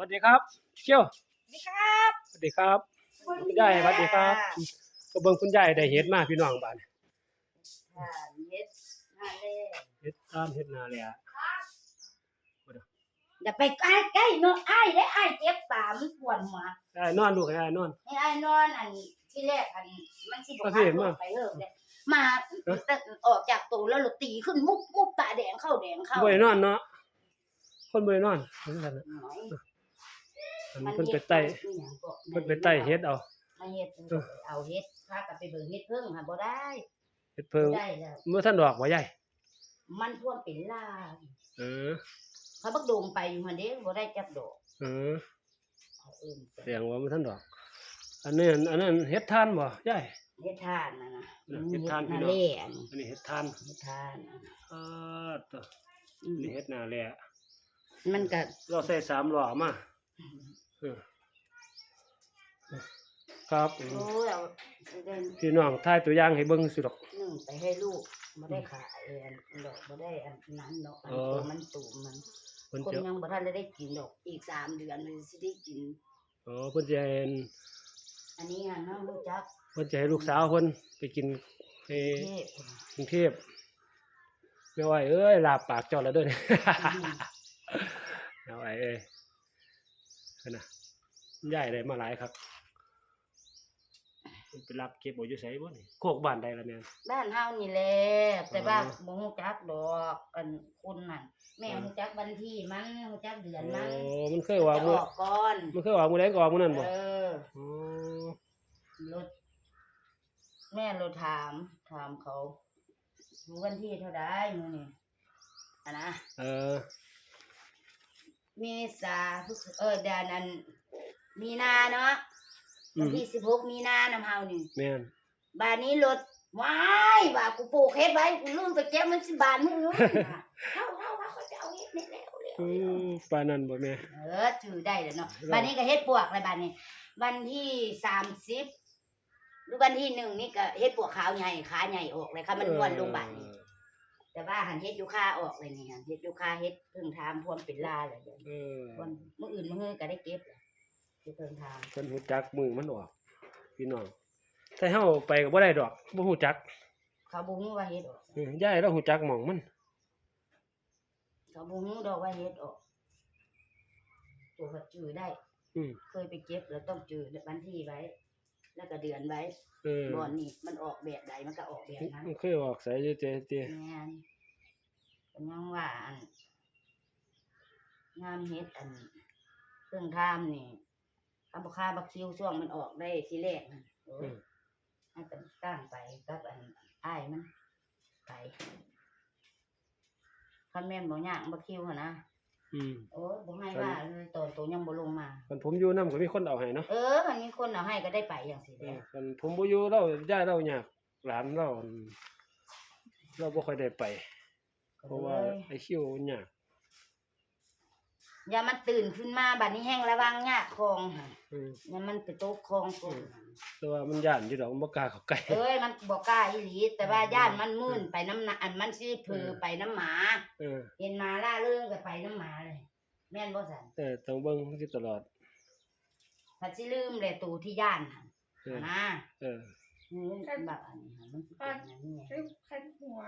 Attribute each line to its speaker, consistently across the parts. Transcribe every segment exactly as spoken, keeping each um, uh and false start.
Speaker 1: วัสดีครับเชี่ยว
Speaker 2: สวัสดีครับ
Speaker 1: สวัสดีครับคุณยายสวัสดีครับก็เบิ่งคุณยายได้เฮ็ดมาพี่น้องบ้าน
Speaker 2: ค่ะเฮ็ดนาเล่
Speaker 1: เฮ็ดตามเฮ็ดนาเลยอ่ะ
Speaker 2: อย่าไปใกล้ใกล้เนาะอ้ายได้อ้ายเจ็บตามันปวดหัว
Speaker 1: ได้นอนลูกให้ได้นอน
Speaker 2: ให้อ้ายนอนอันที่แรกอันมันสิบ่
Speaker 1: ก็
Speaker 2: พา
Speaker 1: เห็น
Speaker 2: ล
Speaker 1: ว่า
Speaker 2: งไปเลิกเลยมาแต่ออกจากตูแล้วรถตีขึ้นมุบมุบตาแดงเข้าแดงเข้า
Speaker 1: บ่ได้นอนเนาะคนบ่ได้นอนเหมือนกันน่ะ
Speaker 2: หน่อย
Speaker 1: อันเพิ่นไปไต่เพิ่นไปไต่เฮ็ดเอา
Speaker 2: มาเฮ็ดเอาเฮ็ดพากันไปเบิ่งเฮ็ดเพิ่งค่ะบ่ได้
Speaker 1: เฮ็ดเพิ่ง
Speaker 2: บ่ได้แล้ว
Speaker 1: เมื่อท่านดอกบ่ยาย
Speaker 2: มันท่วมเป็นลา
Speaker 1: เออ
Speaker 2: เขาบักโดมไปอยู่หั่นเด้บ่ได้จักดอก
Speaker 1: เออ
Speaker 2: เอาเอิ้น
Speaker 1: แสดงว่าเมื่อท่านดอก อันนี้อันนั้นเฮ็ดทานบ่ยาย
Speaker 2: เฮ็ดทานน่ะนะ
Speaker 1: เฮ็ดทานพี่
Speaker 2: นา
Speaker 1: น้อง
Speaker 2: เล่อัน
Speaker 1: อันนี้เฮ็ดทาน
Speaker 2: เฮ็ดทานน่ะนะ
Speaker 1: เออตัวนี่เฮ็ดนาแล
Speaker 2: มันก็
Speaker 1: เราใส่สามล้อมาเออครับ
Speaker 2: โอ้ยเอาสิได้
Speaker 1: พี่น้องถ่ายตัวอย่างให้เบิ่งสิดอก
Speaker 2: นึ่งไปให้ลูกบ่ได้ขายอันดอกบ่ได้อันนั้นดอกอัน
Speaker 1: อ๋อ
Speaker 2: ตัวมันตูมมัน
Speaker 1: เพิ่น
Speaker 2: คน
Speaker 1: จะ
Speaker 2: ยังบ่ทันได้กินดอกอีกสามเดือนมันสิได้กิน
Speaker 1: อ๋อเพิ่นจะให้
Speaker 2: อันนี้อ่ะน้องรู้จัก
Speaker 1: เพิ่นจะให้ลูกสาวเพิ่นไปกินไป
Speaker 2: เทพ
Speaker 1: กรุงเทพแม่อ้อยเอ้ยลาบปากเจ้าแล้วเด้อเนี่ย แม่อ้อยเอ้ยเพิ่นน่ะย้ายได้มาหลายครับเพิ่นไปรับเก็บเอาอยู่ไสบ่นี่โคกบ้านใดล่ะแม่น
Speaker 2: บ้านเฮานี่แหละแต่ว่า
Speaker 1: อ๋อ
Speaker 2: บ่ฮู้จักดอกอันคนนั่นแม่ฮู้จักวันที่มันฮู้จักเดือน
Speaker 1: อ๋
Speaker 2: มัน
Speaker 1: อมันเคยว่า
Speaker 2: จะอ
Speaker 1: มื้อ
Speaker 2: อกก่อน
Speaker 1: มันเคยว่ามื้อใดก็ออกมื้อนั้นบ่
Speaker 2: เออ
Speaker 1: อ๋อ
Speaker 2: รถแม่เราถามถามเขารู้วันที่เท่าไดมื้อนี่อะนะ
Speaker 1: เออ
Speaker 2: เมษาพฤษเออเดือนนั้นมีนาเนาะ
Speaker 1: อื
Speaker 2: วัน
Speaker 1: ม
Speaker 2: ที่สิบหกมีนานำเฮานี่
Speaker 1: แม่น
Speaker 2: บานนี้รถว้ายว่ากูปลูกเฮ็ดไว้กูลืมไปเก็บมันสิบาทมึงเฮาเฮาว่าเขาจะเอาเฮ็ดนี่แล้วแล้ว
Speaker 1: อืมปานนั้นบ่แม่
Speaker 2: เออถือได้แล้วเนาะ
Speaker 1: แล้ว
Speaker 2: บานนี้ก็เฮ็ดปวกเลยบานนี้ วันที่สามสิบหรือวันที่หนึ่งนี่ก็เฮ็ดปวกขาวใหญ่ขาใหญ่ออกเลยค่ะมันม้วนลงบานนี้ แต่ว่าหันเฮ็ดยูคาออกเลยนี่หันเฮ็ดยูคาเฮ็ดเพิ่งทามพวมเป็นลาเลยเดี๋ยว
Speaker 1: เออ
Speaker 2: วันมื้ออื่นมื้อฮื้อก็ได้เก็บเลยเฮ็ดเพิ่งทาม
Speaker 1: เพิ่นฮู้จักมือมันออกพี่น้องถ้าเฮาไปก็บ่ได้ดอกบ่ฮู้จัก
Speaker 2: เขาบ่ฮู้ว่าเฮ็ดออก
Speaker 1: เออยายเราฮู้จักหม่องมัน
Speaker 2: เขาบ่ฮู้ดอกว่าเฮ็ดออกตัวก็จื้อได้
Speaker 1: อืม
Speaker 2: เคยไปเก็บแล้วต้องจื้อวันที่ไว้ แล้วก็เดือนไว้
Speaker 1: เออ
Speaker 2: บ่อนนี่มันออกแบบใดมันก็ออกแบบนั้น
Speaker 1: มันเคยออกใส่เจเจเจ
Speaker 2: แม่นเป็นยังว่าอันงามเฮ็ดอันเพิ่งทามนี่คำบ่ค่าบักคิวช่วงมันออกได้ทีแรกนั่นโอ้ย ให้กันตั้งไปกับอันอ้ายมันไปคันแม่นบ่ยากบ่คิวหั่นนะ
Speaker 1: อืม
Speaker 2: โอ้ยบ่ให้ว่าเลยตอนตัวยังบ่ลงมา
Speaker 1: คันผมอยู่นำก็มีคนเอาให้เนาะ
Speaker 2: เออมันมีคนเอาให้ก็ได้ไปอย่างสิ
Speaker 1: เอ
Speaker 2: แล้
Speaker 1: อ
Speaker 2: ว
Speaker 1: คันผมบ่อยู่เราย้ายเรายากหลานเราเราบ่ค่อยได้ไป เพราะว่าไอ้คิวมันยาก
Speaker 2: อย่ามันตื่นขึ้นมาบัดนี้แห้งระวังยากคองหั่น
Speaker 1: อืม
Speaker 2: อย่ามันไปตกคลองก่อน
Speaker 1: แต่ว่ามันย่านอยู่ดอกมันบ่กล้าเข้าใกล้
Speaker 2: เอ้ยมันบ่กล้าอีหลีแต่ว่าย่านมันมื่นไปน้ำหนาอันมันสิเผือไปน้ำหมา
Speaker 1: เออ
Speaker 2: เห็นหมาล่าเรื่องก็ไปน้ำหมาเลย แม่นบ่ซั่น
Speaker 1: เออต้องเบิ่งอยู่ตลอด
Speaker 2: ถ้าสิลืมแหละตูที่ย่านหั่น
Speaker 1: เออ
Speaker 2: นะ
Speaker 1: เออ
Speaker 2: มันแบบอันนี้ค่ะมันสิเป็นอย่างนี้ไง
Speaker 3: คันคันหัว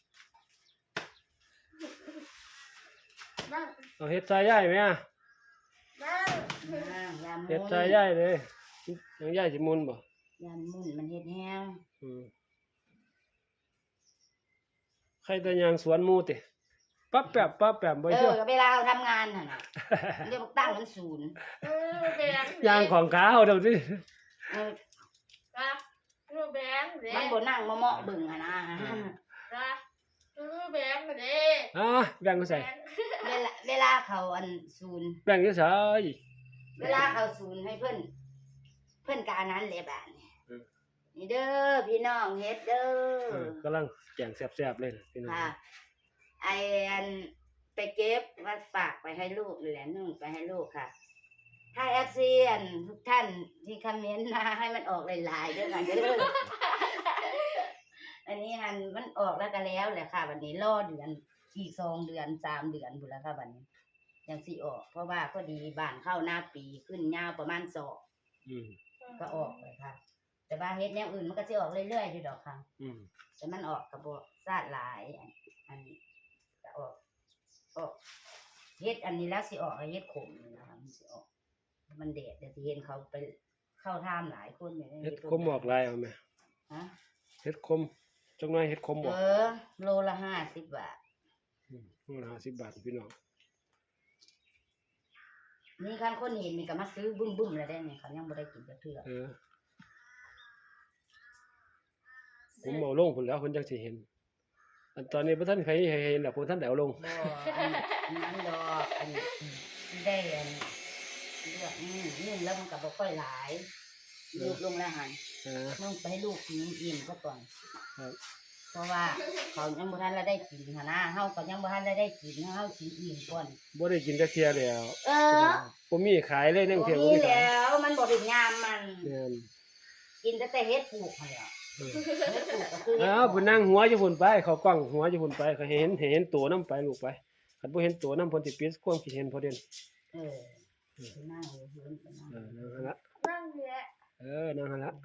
Speaker 3: บ้าง
Speaker 1: เอาเฮ็ดใส่ยายไหมอ่ะ
Speaker 3: บ้าง
Speaker 2: อ่ายามมุน
Speaker 1: เฮ็ดใส่ยายเลยยังยายสิมุนบ่
Speaker 2: ยามมุนมันเฮ็ดแห้ง
Speaker 1: อืมใครแต่ยางสวนหมู่ติปั๊บแป๊บปั๊บแป๊บบ่
Speaker 2: เอ
Speaker 1: เชื่
Speaker 2: อ
Speaker 1: อ
Speaker 2: ก็เวลาเราทำงานน่ะนะมันจะบอกตั้งมันศูนย์
Speaker 3: เออแบง
Speaker 1: ยางของขาเอาเดี๋ยวสิ
Speaker 2: เออ
Speaker 3: ครับเออแบงเด้
Speaker 2: มันบ่นั่งมาเหมาะเบิ่งอะนะ
Speaker 3: ครับเออแบงเด้
Speaker 1: อ่าแบ่งมาใส่
Speaker 2: เวลาเวลาเขาอันศูนย์
Speaker 1: แบ่งอยู่ไส
Speaker 2: เวลาเขาศูนย์ให้เพิ่นเพิ่นกอันนั้นแหละบาดนี้
Speaker 1: เออ
Speaker 2: นี่เด้อพี่น้องเฮ็ดเด้
Speaker 1: เอ
Speaker 2: อ
Speaker 1: อกำลังแกงแซ่บๆเลยนะพี่น้อง
Speaker 2: ค่ะไออันไปเก็บมาฝากไปให้ลูกนี่แหละนึ่งไปให้ลูกค่ะ ถ้าแอฟซีอันทุกท่านที่คอมเมนต์มาให้มันออกหลายๆด้วยกันเด้อ อันนี้หันมันออกแล้วก็แล้วแหละค่ะวันนี้รอเดือนอีกสองเดือนสามเดือนพุ่นแล้วค่ะวันนี้อย่างสิออก เพราะว่าพอดีบ้านเข้าหน้าปีขึ้นยาวประมาณศอก
Speaker 1: อืม
Speaker 2: ก็ออกเลยค่ะ แต่ว่าเฮ็ดแนวอื่นมันก็สิออกเรื่อยๆอยู่ดอกค่ะ
Speaker 1: อืม
Speaker 2: แต่มันออกก็บ่ซาดหลายอันอันนี้ก็ออกออกเฮ็ดอันนี้แล้วสิออกเฮ็ดขมนี่นะคะมันสิออก มันแดดเดี๋ยวสิเห็นเขาไปเข้าท่ามหลายคนอยู่ใน
Speaker 1: เฮ็ดคมออกลายเอาแม่
Speaker 2: ฮะ
Speaker 1: เฮ็ดคมจักหน่อยเฮ็ดคมบ่
Speaker 2: เออโลละห้าสิบบาท
Speaker 1: อืมโลละห้าสิบบาทพี่น้อง
Speaker 2: นี่คันคนเห็นนี่ก็มาซื้อบึ้มๆแล้วได้นี่เขายังบ่ได้กินจักเทื่อ
Speaker 1: เออผมเอาลงพุ่นแล้วเพิ่นจังสิเห็น อันตอนนี้บ่ทันใครให้เห็นดอกบ่ทันได้เอาลง
Speaker 2: บ่อันอันนั้นดอกอันที่ได้อันเลือกอืมนึ่งแล้วมันก็บ่ค่อยหลายลูกลงแล้วหั่น
Speaker 1: เออ
Speaker 2: นึ่งไปให้ลูกกินอิ่มซะก่อน
Speaker 1: ครับ
Speaker 2: เพราะว่าเขายังบ่ทันละได้กินหั่นนะเฮาก็ยังบ่ทันได้ได้กินเฮากินอิ่มก่อน
Speaker 1: บ่ได้กินจักเที่ยแล้ว
Speaker 2: เออ
Speaker 1: บ่มีขายเลยในกรุงเทพบ่
Speaker 2: บ่มี
Speaker 1: มีขาย
Speaker 2: แล้วมันบ่เป็นยามมัน
Speaker 1: แม่น
Speaker 2: กินแต่แต่เฮ็ดปลูกหั่นแหละ
Speaker 1: เออ
Speaker 2: เฮ็ดปลูกก็คือเฮ็ด
Speaker 1: อ้าวเพิ่นนั่งหัวอยู่พุ่นไปเขากล้องหัวอยู่พุ่นไปเขาเห็นเห็นตัวนํไปลูกไปคันบ่เห็นตัวนํเพิ่นสิปิดความคิดเห็นพอเด่น
Speaker 2: เออไปนั่งอยู่พื้นไปนั่ง
Speaker 1: เออนั่งหั่นละ
Speaker 3: นั่งแหละ
Speaker 1: เออนั่งหั่นละ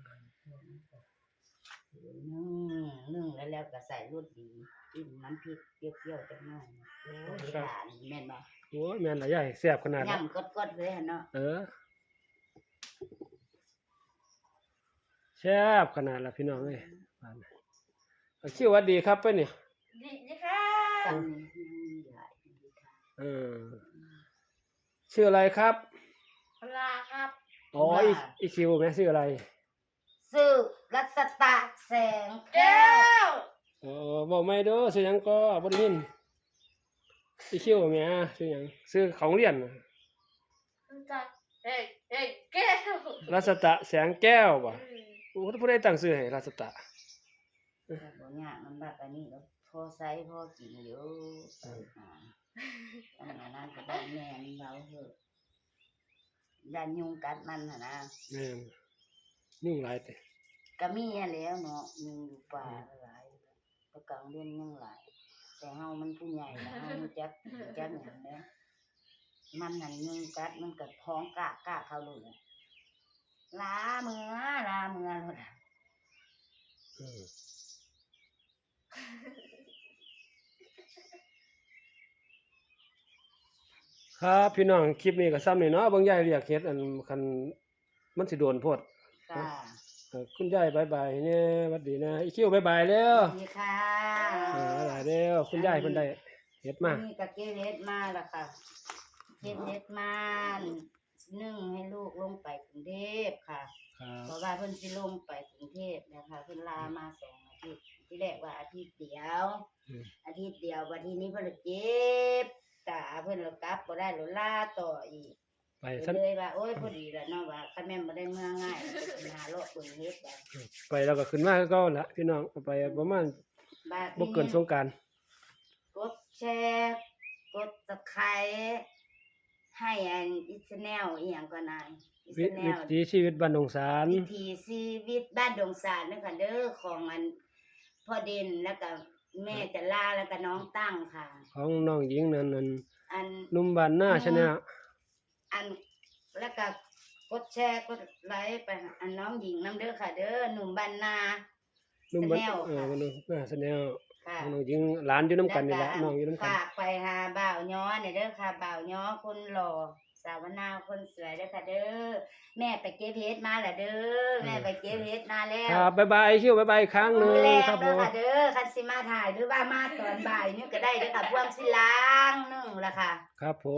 Speaker 2: นึ่งนึ่งแล้วแล้วก็ใส่รสดีกินน้ำพริกเปรี้ยวๆจังหน่อยโอ้ยทานแม่นบ่
Speaker 1: โอ้ยแม่นหลายใหญ่แซ่บขนาดนั้น
Speaker 2: ย่ำกดๆเลยหั่นเนาะ
Speaker 1: เออแซ่บขนาดละพี่น้องเอ้ยว่านะเอาคิวหวัดดีครับไปนี่
Speaker 3: ดีดีค่ะ
Speaker 2: สั่งนี่ยังมีหลายอยู่ค่ะ
Speaker 1: เออชื่ออะไรครับ
Speaker 3: ปลาครับ
Speaker 1: อ๋ออีอีคิวแม่ชื่ออะไร
Speaker 2: ซื้อรัศตะแสงแก้
Speaker 3: แก้
Speaker 2: ว
Speaker 3: ว
Speaker 1: อ๋อบอกไม่เด้อชื่อหยังก็บ่ได้ยินอีคิวแม่ชื่อหยังชื่อของเรียนน่ะ
Speaker 3: จากเอ้ยเอ้ยแก้ว
Speaker 1: รัศตะแสงแก้วบ่
Speaker 3: อืม
Speaker 1: โอ้ผู้ใดตั้งชื่อให้รัศตะ
Speaker 2: แต่บ่ยากมันแบบอันนี้แล้วพอใช้พอกินอยู่อ่าอันนั้นก็ได้แม่นเบาเถอะยันยุงกัดมันน่ะนะ
Speaker 1: แม่นยุ่งหลายแต่
Speaker 2: ก็มีอะแล้วเนาะยุงอยู่ป่าหลายแตะกลางเดือนยังหลาย แต่เฮามันผู้ใหญ่แล้วเฮารู้จักรู้จักหยังแหล้วมันนั่นยุงกัดมันก็ท้องกะกะเข้าเลยลาเมือลาเมือโลดอะ
Speaker 1: เออครับพี่น้องคลิปนี้ก็ซ้ำนี่เนาะเบิ่งยายเรียกเฮ็ดอันคันมันสิโดนโพด
Speaker 2: ค่ะ
Speaker 1: เออคุณยายบายบายเนี่ยหวัดดีนะอีคิวบายบายแล้ว
Speaker 2: สวัสดีค่ะ
Speaker 1: เออหลายแล้วคุณยายเพิ่นได้เฮ็ดมา
Speaker 2: นี่ก็เก็บเฮ็ดมาแล้วค่ะเก็บเฮ็ดมานึ่งให้ลูกลงไปกรุงเทพค่ะ
Speaker 1: ครับ
Speaker 2: เพราะว่าเพิ่นสิลงไปกรุงเทพนะคะเพิ่นลามาสองอาทิตย์ที่แรกว่าอาทิตย์เดียว
Speaker 1: อืม
Speaker 2: อาทิตย์เดียววันที่นี้เพิ่นเลยเจ็บตาเพิ่นเลยกลับบ่ได้เลยลาต่ออีก
Speaker 1: ไป
Speaker 2: ก็
Speaker 1: ซั่น
Speaker 2: เลยว่าโอ้ยพอดีแล้วเนาะว่าคันแม่นบ่ได้เมื่อง่ายก็สิหาโลกเบิ่งเฮ็ดได้
Speaker 1: ไปแล้วก็ขึ้นมาคือเก่าละพี่น้องเอาไปประมาณ
Speaker 2: บาด
Speaker 1: บ่เกินสงกรานต์
Speaker 2: กดแชร์กด Subscribe ให้อันอิสแนลอีหยังก็นายอิส
Speaker 1: วิ
Speaker 2: แน
Speaker 1: วิ
Speaker 2: ล
Speaker 1: ถีชีวิตบ้านดงสาร
Speaker 2: วิถีชีวิตบ้านดงสารนะคะเด้อของอันพ่อเด่นแล้วก็แม่จะลาแล้วก็น้องตั้งค่ะ
Speaker 1: ของน้องหญิงนั่นนั่น
Speaker 2: อัน
Speaker 1: หนุ่มบ้านหน้าชะแนล
Speaker 2: อันแล้วก็กดแชร์กดไลค์ไปอันน้องหญิงน้ำเด้อค่ะ เด้อหนุ่มบ้านนา
Speaker 1: หนุ่มบ้าน
Speaker 2: แนล
Speaker 1: เออ
Speaker 2: ค่ะ
Speaker 1: บ้านหน้าชะแนล
Speaker 2: ค่ะ
Speaker 1: น้องหญิงหลานอยู่นํกันนี่แหละน้องอยู่นํกัน
Speaker 2: ฝากไปหาบ่าวย้อเนี่ยเด้อค่ะบ่าวย้อคนหล่อสาวนาคนสวยเด้อค่ะ เด้อแม่ไปเก็บเฮ็ดมาแล้วเด้อแม่ไปเก็บเฮ็ดมาแล้ว
Speaker 1: ครับบ๊ายบายคิวบ๊ายบายอีกครั้งหนึ
Speaker 2: มื้อง แรก
Speaker 1: ครับผ
Speaker 2: เด้อ
Speaker 1: ม
Speaker 2: ค่ะเด้อคันสิมาถ่ายหรือว่ามาตอนบ่ายนี่ก็ได้เด้อค่ะพวงสิล้างนึงละค่ะ
Speaker 1: ครับผม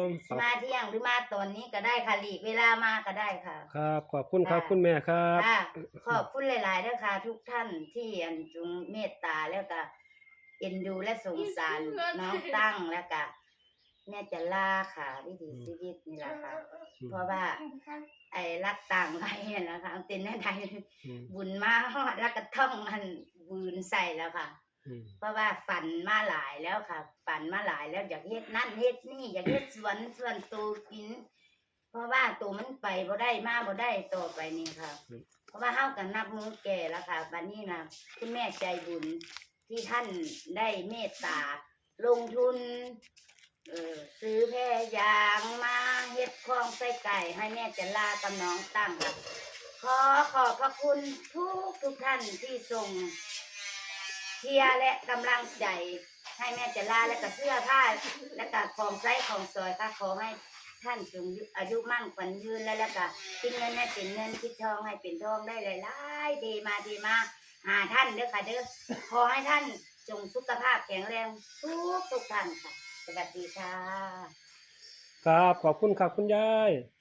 Speaker 2: สิมาเที่ยงหรือมาตอนนี้ก็ได้ค่ะหลีกเวลามาก็ได้ค่ะ
Speaker 1: ครับขอบคุณครับ
Speaker 2: ค่ะ
Speaker 1: คุณแม่ครับ
Speaker 2: ค่ะขอบคุณหลายๆเด้อค่ะ ทุกท่านที่อันจุงเมตตาแล้วก็เอ็นดูและสงสารน้องตั้งแล้วก็แม่จะล่าค่ะวิถีชีวิตนี่แหละค่ะ เพราะว่าไอ้รักต่างไว้เนี่ยนะคะเอาเป็นแน่ใด
Speaker 1: อืม
Speaker 2: บุญมาฮอดแล้วก็ท่องมันบืนใส่แล้วค่ะ
Speaker 1: อืม
Speaker 2: เพราะว่าฝันมาหลายแล้วค่ะ ฝันมาหลายแล้วอยากเฮ็ดนั่นเฮ็ดนี่อยากเฮ็ดสวนสวนตูกิน เพราะว่าตัวมันไปบ่ได้มาบ่ได้ต่อไปนี่ค่ะ เพราะว่าเฮากันนับมือแก่แล้วค่ะบัดนี้นะคุณแม่ใจบุญที่ท่านได้เมตตาลงทุนเออซื้อแพรยางมาเฮ็ดคลองใส่ไก่ให้แม่จะลากับน้องตั้งครับขอขอบพระคุณทุกทุกท่านที่ส่งเชียร์และกำลังใจให้แม่จะลาและก็เสื้อผ้าและก็ของใช้ของสอยค่ะขอให้ท่านจงอายุมั่นขวัญยืนและแล้วก็คิดเงินให้เป็นเงินคิดทองให้เป็นทองได้หลายๆดีมาดีมาหาท่านเด้อค่ะเด้อขอให้ท่านจงสุขภาพแข็งแรงทุกทุกท่านค่ะสวัสดีค่ะ
Speaker 1: ครับขอบคุณครับคุณยาย